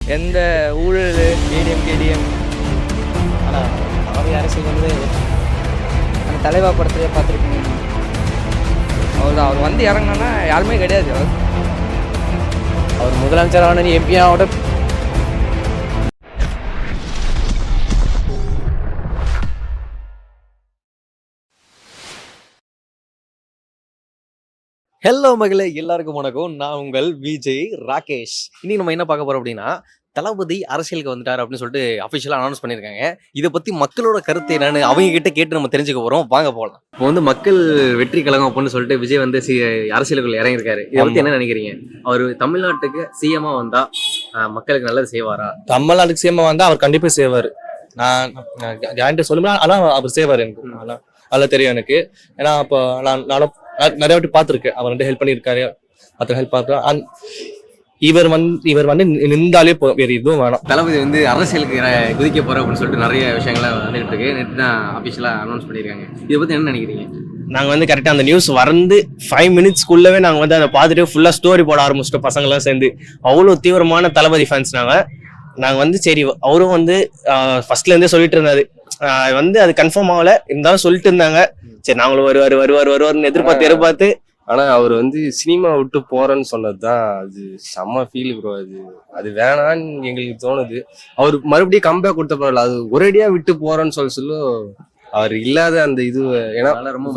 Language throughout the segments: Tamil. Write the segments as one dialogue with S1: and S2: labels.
S1: எந்த ஊழல் ஏடிஎம் கேடிஎம்.
S2: ஆனால் தளபதி அரசியல் வந்து அந்த தலைவா படத்துலேயே பார்த்துருக்கீங்க.
S1: அவர் வந்து இறங்கினா யாருமே கிடையாது.
S2: அவர் முதலமைச்சரான எம்பியாவோட
S3: ஹலோ மகளே, எல்லாருக்கும் வணக்கம். நான் உங்கள் விஜய் ராகேஷ். இன்னைக்கு நம்ம என்ன பார்க்க போறோம் அப்படின்னா, தளபதி அரசியலுக்கு வந்துட்டார் அப்படின்னு சொல்லிட்டு அஃபிஷியலாக அனௌன்ஸ் பண்ணியிருக்காங்க. இதை பற்றி மக்களோட கருத்து என்னன்னு அவங்க கிட்ட கேட்டு நம்ம தெரிஞ்சுக்க போறோம். வாங்க போகலாம். இப்போ வந்து மக்கள் வெற்றி கழகம் அப்படின்னு சொல்லிட்டு விஜய் வந்து அரசியலுக்குள்ள இறங்கியிருக்காரு. இதை பத்தி என்ன நினைக்கிறீங்க? அவர் தமிழ்நாட்டுக்கு சிஎம்மா வந்தா மக்களுக்கு நல்லது செய்வாரா?
S4: தமிழ்நாட்டுக்கு சிஎம்மா வந்தா அவர் கண்டிப்பா செய்வார். நான் கேரண்டி சொல்லுவேன். ஆனால் அவர் செய்வார். எனக்கு நல்லா தெரியும் எனக்கு. ஏன்னா அப்போ நானும் நிறைய வாட்டி பார்த்துருக்கேன். அவர் வந்து ஹெல்ப் பண்ணியிருக்காரு, மற்ற ஹெல்ப் பார்க்குறேன். இவர் வந்து நின்றாலே வேறு எதுவும் வேணாம்.
S3: தளபதி வந்து அரசியலுக்கு குதிக்க போற அப்படின்னு சொல்லிட்டு நிறைய விஷயங்கள்லாம் வந்துட்டு இருக்கு. நேற்று தான் அஃபிஷியலாக அனௌன்ஸ் பண்ணியிருக்காங்க. இதை பத்தி என்ன நினைக்கிறீங்க?
S4: நாங்கள் வந்து கரெக்டாக அந்த நியூஸ் வந்து 5 மினிட்ஸ்க்குள்ளவே நாங்கள் வந்து அதை பார்த்துட்டு ஃபுல்லாக ஸ்டோரி போட ஆரம்பிச்சிட்டோம். பசங்களாம் சேர்ந்து அவ்வளோ தீவிரமான தளபதி ஃபேன்ஸ். நாங்கள் வந்து சரி, அவரும் வந்து ஃபர்ஸ்ட்லேருந்தே சொல்லிட்டு இருந்தாரு. வந்து அது கன்ஃபார்ம் ஆகல, இருந்தாலும் சொல்லிட்டு இருந்தாங்க. சரி நாங்களும் வருவாருன்னு எதிர்பார்த்து
S5: ஆனா அவர் வந்து சினிமா விட்டு போறேன்னு சொன்னதுதான் அது செம்ம ஃபீல் ப்ரோ. அது வேணான்னு எங்களுக்கு தோணுது. அவர் மறுபடியும் கம்பேக் கொடுத்த பரவாயில்ல, அது ஒரேடியா விட்டு போறேன்னு சொல்ல அவர் இல்லாத அந்த இது. ஏன்னா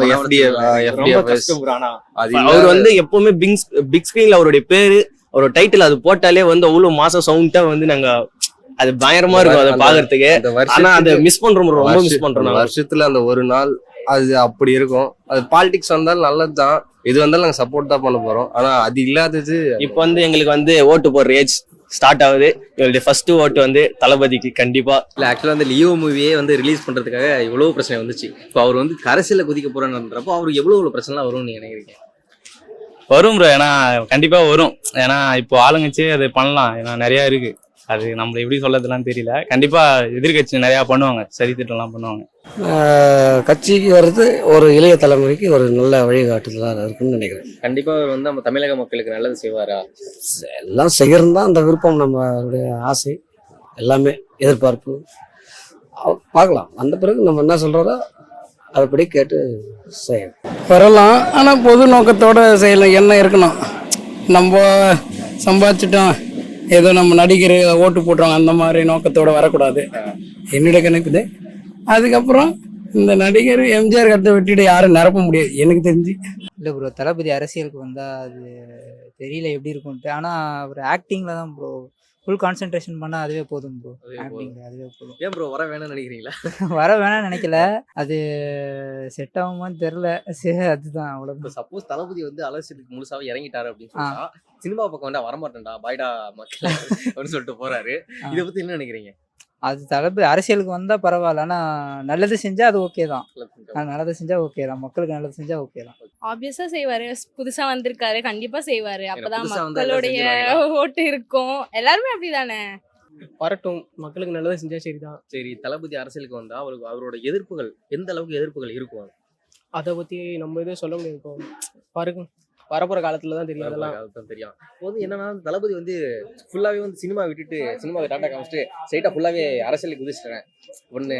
S4: அவர் வந்து எப்பவுமே பிக் ஸ்கிரீன்ல அவருடைய பேரு, அவரோட டைட்டில் அது போட்டாலே வந்து அவ்வளவு மாசம் சவுண்டா வந்து நாங்க அது பயங்கரமா இருக்கும் அதை பாக்குறதுக்கு. ஆனா அதை மிஸ் பண்றோம், ரொம்ப மிஸ் பண்றோம்.
S5: வருஷத்துல அந்த ஒரு நாள் அது அப்படி இருக்கும். அது பாலிடிக்ஸ் வந்தாலும் நல்லதுதான், எது வந்தாலும் நாங்க சப்போர்ட் தான் பண்ண போறோம். ஆனா அது இல்லாதது
S4: இப்ப வந்து எங்களுக்கு வந்து ஓட்டு போடுற ஏஜ் ஸ்டார்ட் ஆகுது. எங்களுடைய ஃபர்ஸ்ட் ஓட்டு வந்து தளபதிக்கு கண்டிப்பா.
S3: இல்ல ஆக்சுவலா வந்து லியோ மூவியே வந்து ரிலீஸ் பண்றதுக்காக இவ்வளவு பிரச்சனை வந்துச்சு. இப்போ அவர் வந்து அரசியல குதிக்க போறேன்றப்போ அவருக்கு எவ்வளவு பிரச்சனை வரும்னு நீங்க நினைக்கிறீங்க?
S1: வரும் ப்ரோ, ஏன்னா கண்டிப்பா வரும். ஏன்னா இப்போ ஆளுங்கட்சி அது பண்ணலாம், ஏன்னா நிறைய இருக்கு. அது நம்மள எப்படி சொல்லறதுலாம் தெரியல. கண்டிப்பா எதிர்கட்சி நிறைய பண்ணுவாங்க, சரி திட்டம்லாம் பண்ணுவாங்க.
S2: கட்சிக்கு வர்றது ஒரு இளைய தலைமுறைக்கு ஒரு நல்ல வழிகாட்டுதலாக இருக்குன்னு நினைக்கிறேன்.
S3: கண்டிப்பா அவர் வந்து நம்ம தமிழக மக்களுக்கு நல்லது செய்வாரா?
S2: எல்லாம் செய்கிறது தான் அந்த விருப்பம், நம்மளுடைய ஆசை, எல்லாமே எதிர்பார்ப்பு. பார்க்கலாம், வந்த பிறகு நம்ம என்ன சொல்கிறோதோ அதுபடி கேட்டு செய்யணும்.
S6: வரலாம், ஆனால் பொது நோக்கத்தோடு செய்யலாம். என்ன இருக்கணும், நம்ம சம்பாதிச்சிட்டோம் ஏதோ நம்ம நடிகர் ஓட்டு போட்டுருவாங்க அந்த மாதிரி நோக்கத்தோடு வரக்கூடாது. என்னுடைய கணிப்புது. அதுக்கப்புறம் இந்த நடிகர் எம்ஜிஆர் கருத்தை விட்டுட்டு யாரும் நிரப்ப முடியாது எனக்கு தெரிஞ்சு.
S2: இல்லை ப்ரோ, தளபதி அரசியலுக்கு வந்தால் அது தெரியல எப்படி இருக்கும்ட்டு. ஆனால் ஒரு ஆக்டிங்கில் தான் ப்ரோ ஃபுல் கான்சென்ட்ரேஷன் பண்ணால் அதுவே போதும் ப்ரோ. ஆக்டிங்கில் அதுவே போதும்.
S3: ஏன் ப்ரோ வர வேணும்னு நினைக்கிறீங்களா?
S2: வர வேணாம்னு நினைக்கல, அது செட் ஆகுமான்னு தெரில. சரி, அதுதான் அவ்வளோ.
S3: இப்போ சப்போஸ் தளபதி வந்து அரசியலுக்கு முழுசாவே இறங்கிட்டாரு அப்படின்னு சொன்னா சினிமா பக்கம் வந்தா வரமாட்டேன்டா பாய்டா மக்கள் அப்படின்னு சொல்லிட்டு போறாரு. இதை பத்தி என்ன நினைக்கிறீங்க?
S2: அது தளபதி அரசியலுக்கு வந்தால் பரவாயில்ல, ஆனால் நல்லது செஞ்சால் அது ஓகே தான். நல்லது செஞ்சால் ஓகே தான், மக்களுக்கு நல்லது செஞ்சால் ஓகே தான்.
S7: ஆப்வியஸா செய்வாரு. புதுசா வந்திருக்காரு, கண்டிப்பா செய்வாரு. அப்பதான்
S3: புதுசா வந்தா
S7: மக்களுடைய ஓட்டு இருக்கும். எல்லாருமே அப்படிதானே.
S6: வரட்டும், மக்களுக்கு நல்லதாக செஞ்சால் சரிதான்.
S3: சரி, தளபதி அரசியலுக்கு வந்தா அவரோட எதிர்ப்புகள் எந்த அளவுக்கு எதிர்ப்புகள் இருக்கும்?
S6: அதை பற்றி நம்ம எதுவும் சொல்ல முடியாது. இப்போ பாருங்க, வரப்போகிற காலத்தில் தான் தெரியும். அதெல்லாம்
S3: தெரியும். இப்போ வந்து என்னன்னா தளபதி வந்து ஃபுல்லாவே வந்து சினிமா விட்டுட்டு சினிமாவை டாட்டா காமிச்சிட்டு ஸ்ட்ரைட்டா ஃபுல்லாவே அரசியலுக்கு குதிச்சிட்டேன் ஒண்ணு.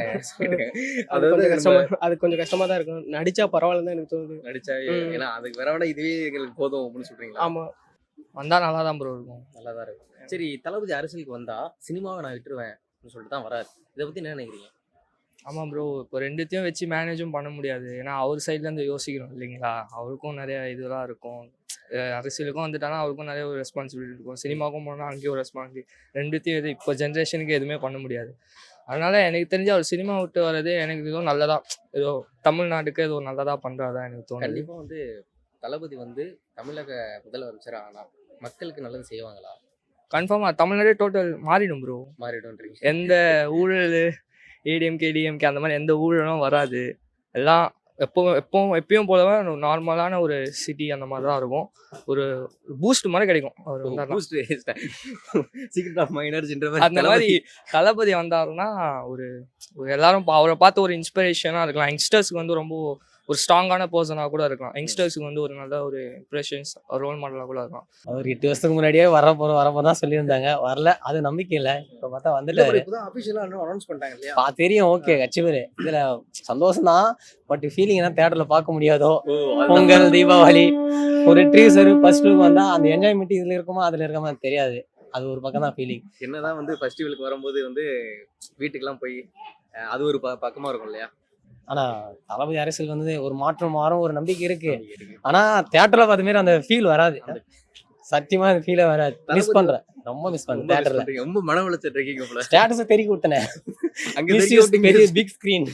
S6: அது கொஞ்சம் கஷ்டமா தான் இருக்கும். நடிச்சா பரவாயில்ல தான் எனக்கு தோணுது.
S3: நடிச்சா ஏன்னா அதுக்கு வேற விட இதுவே எங்களுக்கு போதும் அப்படின்னு சொல்றீங்களா?
S6: ஆமா, வந்தா நல்லா தான் ப்ரோ இருக்கும்.
S3: நல்லா தான் இருக்கும். சரி, தளபதி அரசியலுக்கு வந்தா சினிமாவை நான் விட்டுருவேன் அப்படின்னு சொல்லிட்டு தான் வராரு. இதை பத்தி என்ன நினைக்கிறீங்க?
S1: ஆமாம் ப்ரோ, இப்போ ரெண்டுத்தையும் வச்சு மேனேஜும் பண்ண முடியாது. ஏன்னா அவர் சைட்லேருந்து யோசிக்கணும் இல்லைங்களா. அவருக்கும் நிறைய இதெல்லாம் இருக்கும். அரசியலுக்கும் வந்துட்டானா அவருக்கும் நிறைய ஒரு ரெஸ்பான்சிபிலிட்டி இருக்கும். சினிமாவுக்கும் போனால் அங்கேயும் ஒரு ரெஸ்பான்சிபிலிட்டி. ரெண்டுத்தையும் இப்போ ஜென்ரேஷனுக்கு எதுவுமே பண்ண முடியாது. அதனால எனக்கு தெரிஞ்சு அவர் சினிமா விட்டு வர்றது எனக்கு ஏதோ நல்லதா, ஏதோ தமிழ்நாட்டுக்கு ஏதோ நல்லதா பண்ணுறதா எனக்கு தோணும்.
S3: கண்டிப்பாக வந்து தளபதி வந்து தமிழக முதலமைச்சர் ஆனால் மக்களுக்கு நல்லது செய்வாங்களா?
S1: கன்ஃபார்மாக தமிழ்நாடே டோட்டல் மாறிடும் ப்ரோ.
S3: மாறிடும்ன்றீங்க.
S1: எந்த ஊழல் ஏடிஎம் கேடிஎம்கே அந்த மாதிரி எந்த ஊழலும் வராது. எல்லாம் எப்பயும் போலவே நார்மலான ஒரு சிட்டி அந்த மாதிரி தான் இருக்கும். ஒரு பூஸ்ட் மாதிரி கிடைக்கும் அவர் வந்தாருன்னா.
S3: சீக்ரெட் ஆஃப் மை எனர்ஜின்ற
S1: அந்த மாதிரி தளபதி வந்தாருன்னா ஒரு எல்லாரும் அவரை பார்த்து ஒரு இன்ஸ்பிரேஷனாக இருக்கலாம். யங்ஸ்டர்ஸ்க்கு வந்து ரொம்ப ஒரு ஸ்ட்ராங்கான பர்சனாக கூட இருக்கலாம். யங்ஸ்டர்ஸுக்கு வந்து ஒரு நல்ல ஒரு இம்ப்ரெஷன்ஸ் ரோல் மாடலாக கூட இருக்கலாம்.
S8: அவர் 8 வருஷத்துக்கு முன்னாடியே வரப்போ தான் சொல்லியிருந்தாங்க. வரல, அது நம்பிக்கை இல்லை. இப்போ பார்த்தா வந்துட்டாரு.
S3: இப்பதான் அபிஷியலா அனௌன்ஸ் பண்ணிட்டாங்க இல்லையா?
S8: தெரியும், ஓகே, கட்சி பேரு இதுல சந்தோஷம் தான். பட் ஃபீலிங் தான் தேட்டர்ல பார்க்க முடியாதோ. பொங்கல், தீபாவளி, ஒரு ட்ரீசர் ஃபர்ஸ்ட் லுக் வந்தா அந்த என்ஜாய்மெண்ட் இதுல இருக்குமா அதுல இருக்குமா தெரியாது. அது ஒரு பக்கம் தான் ஃபீலிங்.
S3: என்னதான் வந்து ஃபெஸ்டிவலுக்கு வரும்போது வந்து வீட்டுக்கெல்லாம் போய் அது ஒரு பக்கமா இருக்கும் இல்லையா?
S8: ஆனா தளபதி அரசியல் வந்து ஒரு மாற்றம் மாறும் ஒரு நம்பிக்கை இருக்கு. ஆனா தியேட்டர்ல பார்த்த மாதிரி அந்த ஃபீல் வராது. சத்தியமா அந்த ஃபீலே வராது. மிஸ் பண்றேன், ரொம்ப மிஸ் பண்றேன். தியேட்டர்ல
S3: ரொம்ப மன உளைச்சல் இருக்கீங்க போல.
S8: ஸ்டேட்டஸ் தெரிய கொடுத்தனே
S3: அங்க
S8: பெரிய பிக் ஸ்கிரீன்.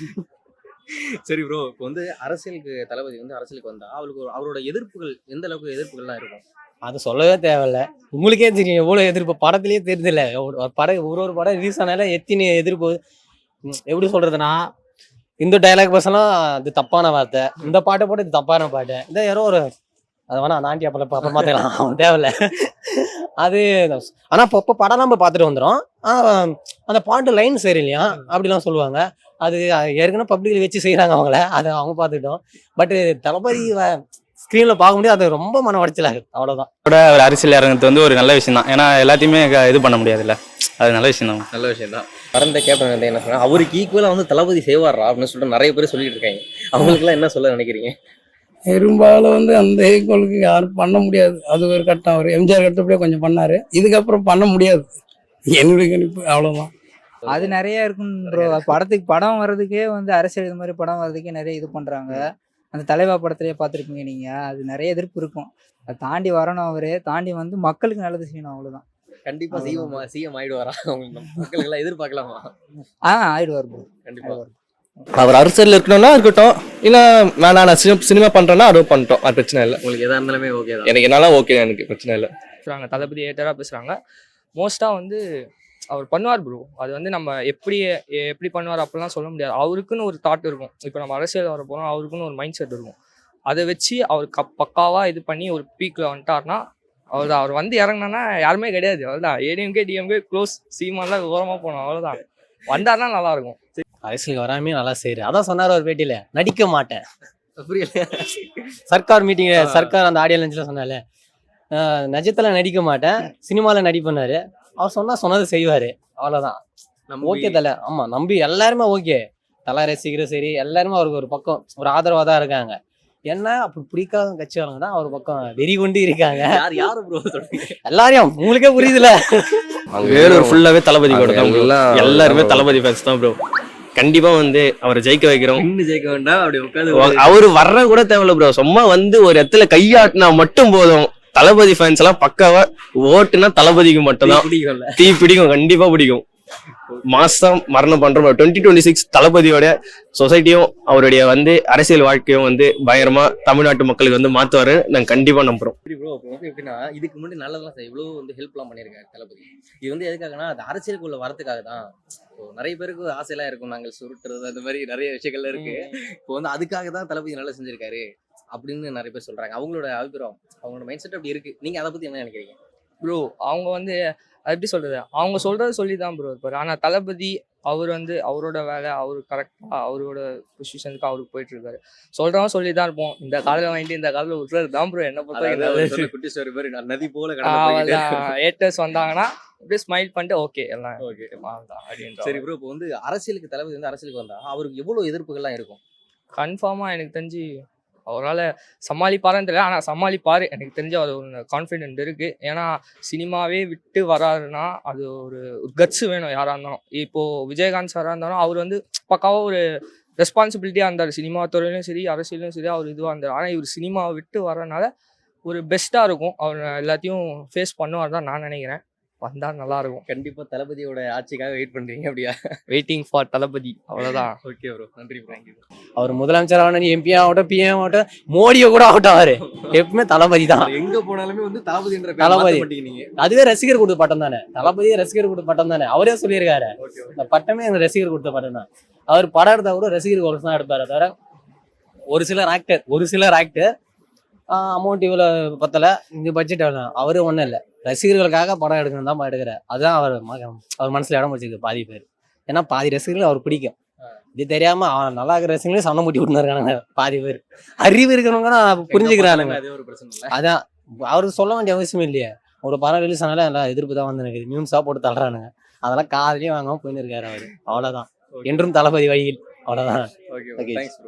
S3: சரி ப்ரோ, இப்போ வந்து அரசியலுக்கு தளபதி வந்து அரசியலுக்கு வந்தா அவருக்கு அவரோட எதிர்ப்புகள் எந்த அளவுக்கு எதிர்ப்புகள்லாம் இருக்கும்?
S8: அது சொல்லவே தேவையில்ல. உங்களுக்கே தெரியும் எவ்வளவு எதிர்ப்பு. படத்திலேயே தெரியுதுல்ல, ஒரு படம் ரிலீஸ் ஆனால எத்தனை எதிர்ப்பு. எப்படி சொல்றதுன்னா, இந்த டைலாக் பர்சன்லாம் அது தப்பான வார்த்தை, இந்த பாட்டை போட்டு இது தப்பான பாட்டு, இந்த யாரோ ஒரு அதை வேணா நாண்டி அப்புறம் பார்த்துக்கலாம், அவன் தேவையில்ல அது. ஆனா இப்போ படம் நம்ம பார்த்துட்டு வந்துடும். அந்த பாட்டு லைன் சரியில்லையா அப்படிலாம் சொல்லுவாங்க. அது ஏற்கனவே பப்ளிக்ல வச்சு செய்யறாங்க அவங்கள, அதை அவங்க பார்த்துக்கிட்டோம். பட் தளபதி ஸ்க்ரீன்ல பார்க்க முடியாது. அது ரொம்ப மன உடைச்சலாக, அவ்வளவுதான்.
S9: ஒரு அரசியல் இறங்குறது வந்து ஒரு நல்ல விஷயம் தான். ஏன்னா எல்லாத்தையுமே இது பண்ண முடியாதுல்ல, அது நல்ல விஷயம் தான்.
S3: நல்ல விஷயம் தான். பரந்த கேப்டன் வந்து என்ன சொன்னா, அவருக்கு ஈக்குவலா வந்து தளபதி செய்வாரா அப்படின்னு சொல்லிட்டு நிறைய பேர் சொல்லிட்டு இருக்காங்க. அவங்களுக்குலாம் என்ன சொல்ல நினைக்கிறீங்க?
S6: பெரும்பாலும் வந்து அந்த ஈக்குவலுக்கு யாரும் பண்ண முடியாது. அது ஒரு கட்டம். அவர் எம்ஜிஆர் கட்டப்படியே கொஞ்சம் பண்ணாரு, இதுக்கப்புறம் பண்ண முடியாது. என்னுடைய கணிப்பு அவ்வளவுதான்.
S10: அது நிறைய இருக்கும் ப்ரோ. படம் வர்றதுக்கே வந்து அரசியல் இது மாதிரி படம் வர்றதுக்கே நிறைய இது பண்றாங்க. அந்த தலைவா படத்திலேயே பார்த்துருப்பீங்க நீங்க. அது நிறைய எதிர்ப்பு இருக்கும். அதை தாண்டி வரணும், அவரே தாண்டி வந்து மக்களுக்கு நல்லது செய்யணும், அவ்வளவுதான்.
S3: கண்டிப்பா சிஎம் ஆயிடுவாரா? மக்களுக்கு எல்லாம் எதிர்பார்க்கலாமா?
S10: ஆயிடுவார் ப்ரோ,
S3: கண்டிப்பா.
S5: அவர் அரசியல் இருக்கணும்னா இருக்கட்டும், இல்ல வேணா நான் சினிமா பண்றேன்னா அதுவும் பண்ணிட்டோம், அது பிரச்சனை இல்லை.
S3: உங்களுக்கு எதா இருந்தாலுமே ஓகே தான்.
S5: எனக்கு என்னால ஓகே, எனக்கு பிரச்சனை இல்லை.
S1: பேசுகிறாங்க தளபதி ஏட்டராக பேசுகிறாங்க. மோஸ்ட்டாக வந்து அவர் பண்ணுவார் ப்ரோ. அது வந்து நம்ம எப்படி பண்ணுவார் அப்படிலாம் சொல்ல முடியாது. அவருக்குன்னு ஒரு தாட் இருக்கும். இப்போ நம்ம அரசியல் வர போகிறோம், அவருக்குன்னு ஒரு மைண்ட் செட் இருக்கும். அதை வச்சு அவர் பக்காவாக இது பண்ணி ஒரு பீக்கில் வந்துட்டார்னா அவர் வந்து இறங்கினா யாருமே கிடையாது. அவ்வளோதான். ஏடிஎம்கே டிஎம்கே க்ளோஸ், சீமான்லாம் ஓரமாக போனோம், அவ்வளோதான். வந்தார்னா நல்லா இருக்கும்.
S8: அரசியலுக்கு வராமே நல்லா செய்யுது. அதான் சொன்னார் ஒரு பேட்டியில, நடிக்க மாட்டேன்.
S3: புரியல.
S8: சர்க்கார் மீட்டிங், சர்க்கார் அந்த ஆடியோ லஞ்சில் சொன்னால நிஜத்துல நடிக்க மாட்டேன், சினிமால நடிப்பண்ணாரு. அவர் சொன்னது செய்வாரு, அவ்வளவுதான். ஓகே தலை. ஆமா, நம்பி எல்லாருமே ஓகே. தலை ரசிகரும் சரி, எல்லாருமே அவருக்கு ஒரு பக்கம் ஒரு ஆதரவா தான் இருக்காங்க. என்ன அப்படி பிடிக்காத கட்சிக்காரங்க தான் அவர் பக்கம் வெறி கொண்டு இருக்காங்க.
S3: யாரு ப்ரோ சொல்றீங்க?
S8: எல்லாரையும் உங்களுக்கே புரியுதுல.
S4: வேலூர் ஃபுல்லாவே தளபதி கூட தான் bro. எல்லாருமே தளபதி ஃபேன்ஸ் தான் ப்ரோ. கண்டிப்பா வந்து அவரை ஜெயிக்க வைக்கிறோம்.
S3: இன்னும் ஜெயிக்க வேண்டாம், அப்படி உட்காந்து
S4: அவரு வர்ற கூட தேவையில்ல ப்ரோ. சும்மா வந்து ஒரு இடத்துல கையாட்டினா மட்டும் போதும். தளபதி ஃபேன்ஸ் எல்லாம் பக்காவா ஓட்டுனா தளபதிக்கு மட்டும் தான்
S3: பிடிக்கும்ல.
S4: தீ பிடிக்கும், கண்டிப்பா பிடிக்கும். மாசம் மரணம் பண்றோம். 2026 தளபதியோட சொசைட்டியும் அவருடைய வந்து அரசியல் வாழ்க்கையும் வந்து பயங்கரமா தமிழ்நாட்டு மக்களுக்கு வந்து மாத்துவாரு, நாங்க கண்டிப்பா நம்புறோம்.
S3: ப்ரோ வந்து எப்படின்னா, இதுக்கு முன்னாடி நல்லதெல்லாம் இவ்வளவு வந்து ஹெல்ப்லாம் பண்ணியிருக்காரு தளபதி. இது வந்து எதுக்காகனா, அது அரசியலுக்குள்ள வரதுக்காக தான். நிறைய பேருக்கு ஆசையெல்லாம் இருக்கும், நாங்கள் சுருட்டுறது அந்த மாதிரி நிறைய விஷயங்கள்ல இருக்கு. இப்போ வந்து அதுக்காக தான் தளபதி நல்லா செஞ்சிருக்காரு அப்படின்னு நிறைய பேர் சொல்றாங்க. அவங்களோட அபிப்பிராயம், அவங்களோட மைண்ட் செட் அப்படி இருக்கு. நீங்க அதை பத்தி என்ன நினைக்கிறீங்க?
S1: ப்ரோ அவங்க வந்து அது எப்படி சொல்கிறது, அவங்க சொல்கிறது சொல்லி தான் ப்ரோ இருப்பார். ஆனால் தளபதி அவர் வந்து அவரோட வேலை, அவர் கரெக்டாக அவரோட பொசிஷனுக்கு அவருக்கு போயிட்டுருக்காரு. சொல்கிறவங்க சொல்லி தான் இருப்போம். இந்த காலையில் வாங்கிட்டு இந்த காலையில் விட்டுறது தான் ப்ரோ என்ன பொறுத்த.
S3: குட்டி ஸ்டோரி மாதிரி நதி போல
S1: ஏட்டர்ஸ் வந்தாங்கன்னா அப்படியே ஸ்மைல் பண்ணிட்டு ஓகே எல்லாம்
S3: ஓகே
S1: அப்படின்ற.
S3: சரி ப்ரோ, இப்போ வந்து அரசியலுக்கு தளபதி வந்து அரசியலுக்கு வந்தா அவருக்கு எவ்வளவு எதிர்ப்புகள்லாம் இருக்கும்?
S1: கன்ஃபார்மாக எனக்கு தெரிஞ்சு அவரால் சமாளிப்பாருன்னு தெரியல, ஆனால் சமாளிப்பார். எனக்கு தெரிஞ்ச அது ஒரு கான்ஃபிடென்ட் இருக்குது. ஏன்னா சினிமாவே விட்டு வராருன்னா அது ஒரு கட்ஸ் வேணும் யாராக இருந்தாலும். இப்போது விஜயகாந்த் சாராக இருந்தாலும் அவர் வந்து பக்காவாக ஒரு ரெஸ்பான்சிபிலிட்டியாக இருந்தார். சினிமா துறையிலும் சரி, அரசியலும் சரி, அவர் இதுவாக இருந்தார். ஆனால் இவர் சினிமாவை விட்டு வரனால ஒரு பெஸ்ட்டாக இருக்கும். அவர் எல்லாத்தையும் ஃபேஸ் பண்ணுவார் தான் நான் நினைக்கிறேன். வந்தால் நல்லாயிருக்கும்.
S3: கண்டிப்பாக தளபதியோட ஆட்சிக்காக வெயிட் பண்ணுறீங்க அப்படியா?
S1: வெயிட்டிங் ஃபார் தளபதி, அவ்வளோதான்.
S3: ஓகே ப்ரோ, நன்றி ப்ரோ.
S8: அவர் முதலமைச்சர் ஆகட்டும், எம்பி ஆகட்டும், பிஎம் ஆகட்டும், மோடியை கூட ஆகட்டும், அவரு எப்பவுமே தளபதி தான்.
S3: எங்க போனாலுமே வந்து தளபதின்ற
S8: தளபதி.
S3: நீங்க
S8: அதுவே ரசிகர் கொடுத்த பட்டம் தானே. தளபதியே ரசிகர் கொடுத்த பட்டம் தானே. அவரே சொல்லியிருக்காரு, இந்த பட்டமே எனக்கு ரசிகர் கொடுத்த பட்டம் தான். அவர் படம் எடுத்தா கூட ரசிகர் ஒரு தான் எடுப்பாரு. தவிர ஒரு சிலர் ஆக்டர் அமௌண்ட் இவ்வளோ பத்தல, இந்த பட்ஜெட் எவ்வளோ, அவரு ஒன்றும் இல்லை, ரசிகர்களுக்காக படம் எடுக்கணும் தான் எடுக்கிறார். அதுதான் அவர் மனசுல இடம் வச்சிருக்கு பாதி பேர். ஏன்னா பாதி ரசிகர்கள் அவர் பிடிக்கும். இது தெரியாம அவன் நல்லா இருக்கிற ரசிகங்களே சண்டை மூட்டி விட்டுருக்கானுங்க பாதி பேர். அறிவு இருக்கிறவங்க புரிஞ்சுக்கிறானுங்க.
S3: அது ஒரு பிரச்சனை இல்லை.
S8: அதான் அவருக்கு சொல்ல வேண்டிய அவசியம் இல்லையே. ஒரு படம் ரிலீஸ் ஆனாலும் எல்லாம் எதிர்ப்பு தான் வந்து எனக்கு மியூன்ஸா போட்டு தள்ளுறானுங்க. அதெல்லாம் காதலையும் வாங்காம போயின்னு இருக்காரு அவரு. அவ்வளவுதான். என்றும் தளபதி வழியில். அவ்வளவுதான்.
S3: Okay
S8: Okay.
S3: Thanks bro.